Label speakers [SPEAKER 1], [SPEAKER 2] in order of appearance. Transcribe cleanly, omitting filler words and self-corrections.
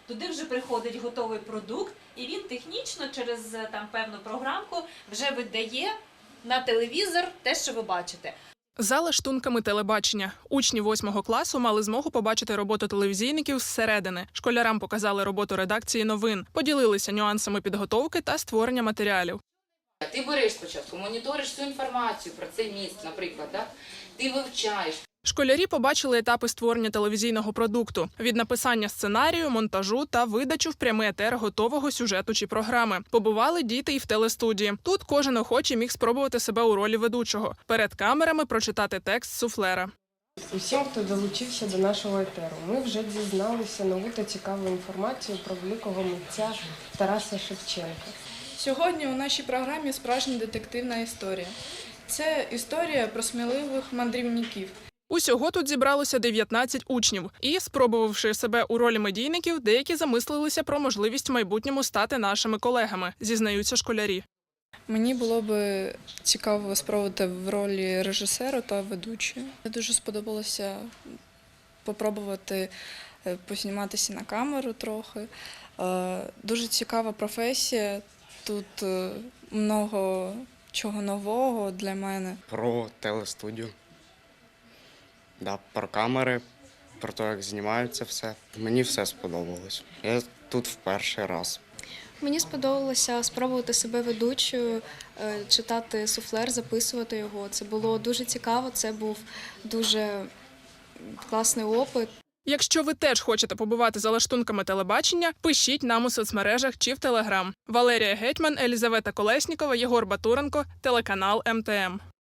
[SPEAKER 1] Туди вже приходить готовий продукт, і він технічно через певну програмку вже видає на телевізор те, що ви бачите.
[SPEAKER 2] За лаштунками телебачення. Учні 8 класу мали змогу побачити роботу телевізійників зсередини. Школярам показали роботу редакції новин, поділилися нюансами підготовки та створення матеріалів.
[SPEAKER 3] Ти береш спочатку, моніториш всю інформацію про цей міст, наприклад, да? Ти вивчаєш.
[SPEAKER 2] Школярі побачили етапи створення телевізійного продукту – від написання сценарію, монтажу та видачу в прямий етер готового сюжету чи програми. Побували діти і в телестудії. Тут кожен охочий міг спробувати себе у ролі ведучого. Перед камерами прочитати текст суфлера.
[SPEAKER 4] Усім, хто долучився до нашого етеру, ми вже дізналися нову та цікаву інформацію про великого митця Тараса Шевченка.
[SPEAKER 5] Сьогодні у нашій програмі справжня детективна історія. Це історія про сміливих мандрівників.
[SPEAKER 2] Усього тут зібралося 19 учнів. І, спробувавши себе у ролі медійників, деякі замислилися про можливість в майбутньому стати нашими колегами, зізнаються школярі.
[SPEAKER 5] Мені було б цікаво спробувати в ролі режисера та ведучої. Мені дуже сподобалося спробувати позніматися на камеру трохи. Дуже цікава професія, тут много чого нового для мене.
[SPEAKER 6] Про телестудію, да, про камери, про те, як знімаються все. Мені все сподобалось. Я тут в перший раз.
[SPEAKER 7] Мені сподобалося спробувати себе ведучою, читати суфлер, записувати його. Це було дуже цікаво, це був дуже класний опит.
[SPEAKER 2] Якщо ви теж хочете побувати за лаштунками телебачення, пишіть нам у соцмережах чи в Телеграм. Валерія Гетьман, Елізавета Колеснікова, Єгор Батуренко, телеканал МТМ.